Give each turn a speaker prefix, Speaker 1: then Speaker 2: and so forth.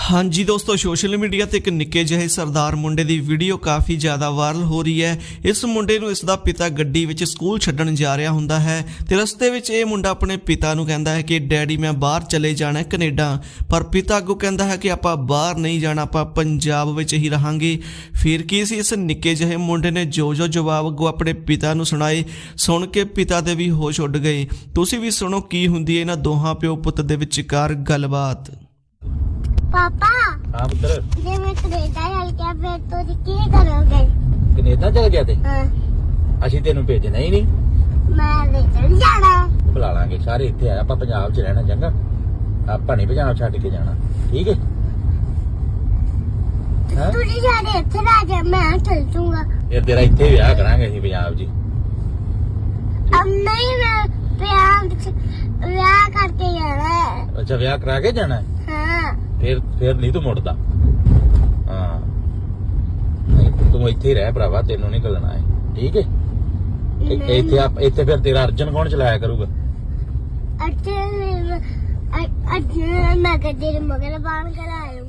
Speaker 1: हाँ जी दोस्तों, social media ते एक निक्के ਜਿਹੇ सरदार मुंडे ਦੀ ਵੀਡੀਓ ਕਾਫੀ ਜ਼ਿਆਦਾ ਵਾਇਰਲ ਹੋ ਰਹੀ ਹੈ। ਇਸ ਮੁੰਡੇ ਨੂੰ ਇਸ ਦਾ ਪਿਤਾ ਗੱਡੀ ਵਿੱਚ ਸਕੂਲ ਛੱਡਣ ਜਾ ਰਿਹਾ ਹੁੰਦਾ ਹੈ ਤੇ ਰਸਤੇ ਵਿੱਚ ਇਹ ਮੁੰਡਾ ਆਪਣੇ ਪਿਤਾ ਨੂੰ ਕਹਿੰਦਾ ਹੈ ਕਿ ਡੈਡੀ ਮੈਂ ਬਾਹਰ ਚਲੇ ਜਾਣਾ ਹੈ ਕੈਨੇਡਾ, ਪਰ ਪਿਤਾ ਅੱਗੋਂ ਕਹਿੰਦਾ ਹੈ ਕਿ ਆਪਾਂ ਬਾਹਰ ਨਹੀਂ ਜਾਣਾ, ਆਪਾਂ ਪੰਜਾਬ ਵਿੱਚ ਹੀ ਰਹਾਂਗੇ। ਫਿਰ ਕੀ ਸੀ, ਇਸ ਨਿੱਕੇ ਜਿਹੇ ਮੁੰਡੇ ਨੇ ਜੋ ਜਵਾਬ ਅੱਗੋਂ ਆਪਣੇ ਪਿਤਾ ਨੂੰ ਸੁਣਾਏ, ਸੁਣ ਕੇ ਪਿਤਾ ਦੇ ਵੀ ਹੋਸ਼ ਉੱਡ ਗਏ। ਤੁਸੀਂ ਵੀ ਸੁਣੋ ਕੀ ਹੁੰਦੀ ਹੈ ਇਹਨਾਂ ਦੋਹਾਂ ਪਿਓ ਪੁੱਤ ਦੇ ਵਿਚਕਾਰ ਗੱਲਬਾਤ।
Speaker 2: पापा
Speaker 3: हाँ पुत्र,
Speaker 2: जे मैं कनेडा चल गया फिर तो की करोगे?
Speaker 3: कनेडा चल गया ते
Speaker 2: हाँ,
Speaker 3: ਅਸੀਂ ਤੈਨੂੰ ਭੇਜਣਾ ਹੀ ਨਹੀਂ।
Speaker 2: मैं ले चल जाना।
Speaker 3: ਬੁਲਾ ਲਾਂਗੇ ਸਾਰੇ ਇੱਥੇ ਆ, ਆਪਾਂ ਪੰਜਾਬ 'ਚ ਰਹਿਣਾ ਚੰਗਾ, ਆਪਾਂ ਨਹੀਂ ਪੰਜਾਬ ਛੱਡ ਕੇ ਜਾਣਾ, ਠੀਕ ਹੈ? ਹਾਂ,
Speaker 2: तू जी जाने इथे रह जा, मैं चल जाऊंगा।
Speaker 3: ਇਹ ਤੇਰਾ ਇੱਥੇ ਵਿਆਹ ਕਰਾਂਗੇ ਅਸੀਂ ਪੰਜਾਬ 'ਚ।
Speaker 2: अब नहीं मैं ब्याह करके जाना है।
Speaker 3: ਅੱਛਾ, ਵਿਆਹ ਕਰਾ ਕੇ ਜਾਣਾ ਹੈ?
Speaker 2: हाँ
Speaker 3: ਫਿਰ ਨਹੀਂ ਤੂੰ ਮੁੜਦਾ। ਹਾਂ, ਨਹੀਂ ਤੂੰ ਇੱਥੇ ਹੀ ਰਹਿ ਭਰਾਵਾ, ਤੈਨੂੰ ਨਹੀਂ ਘੱਲਣਾ ਹੈ, ਠੀਕ ਹੈ? ਇੱਥੇ ਫਿਰ ਤੇਰਾ ਅਰਜਨ ਕੌਣ ਚਲਾਇਆ ਕਰੂਗਾ?
Speaker 2: अच्छे मैं गड्डी मगर बांध कर आयो।